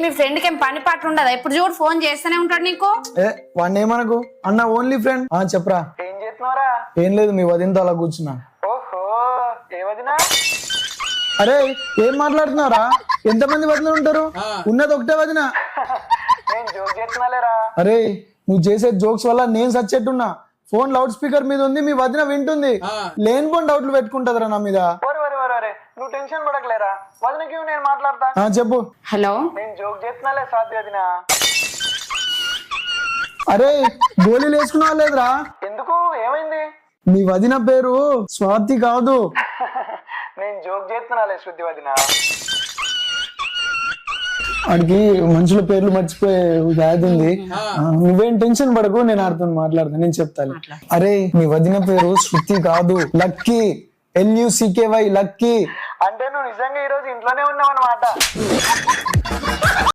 మీ friend కి ఏం పని పాట ఉండదా? ఇప్పుడు చూడు ఫోన్ చేస్తూనే ఉంటాడు నీకు. వాడిని ఏమనకు అన్న, ఓన్లీ ఫ్రెండ్. చెప్పరా. ఏం చేస్తున్నారా? ఏం లేదు, మీ వదినతో అలా కూర్చున్నా. ఓహో, ఏ వదినా? అరే ఏం మాట్లాడుతున్నారా? ఎంతమంది వదిన ఉంటారు? ఉన్నది ఒకటే వదిన. నేను జోక్ చేస్తున్నాలేరా. అరే నువ్వు చేసే జోక్స్ వల్ల నేను సచ్చేట్టున్నా. ఫోన్ లౌడ్ స్పీకర్ మీద ఉంది, మీ వదిన వింటుంది. లేనిపోని డౌట్లు పెట్టుకుంటదరా నా మీద. నువ్వు టెన్షన్ పడకలేరా, వదినకి నేను మాట్లాడతా. చెప్పు. హలో, నేను జోక్ చేస్తున్నాలే సాధ్య వదినా. అరే గోళీలు వేసుకున్నావా లేదురా? ఎందుకు, ఏమైంది? మీ వదిన పేరు స్వాతి కాదు. నేను జోక్ చేస్తున్నాలే శృతి వదినా. వాడికి మనుషుల పేర్లు మర్చిపోయే వ్యాధి ఉంది. నువ్వేం టెన్షన్ పడకు, నేను ఆడుతాను మాట్లాడతాను, నేను చెప్తాను. అరే మీ వదిన పేరు శృతి కాదు, లక్కీ. LUCKY, lucky. అంటే నువ్వు నిజంగా ఈ రోజు ఇంట్లోనే ఉన్నావు అన్నమాట.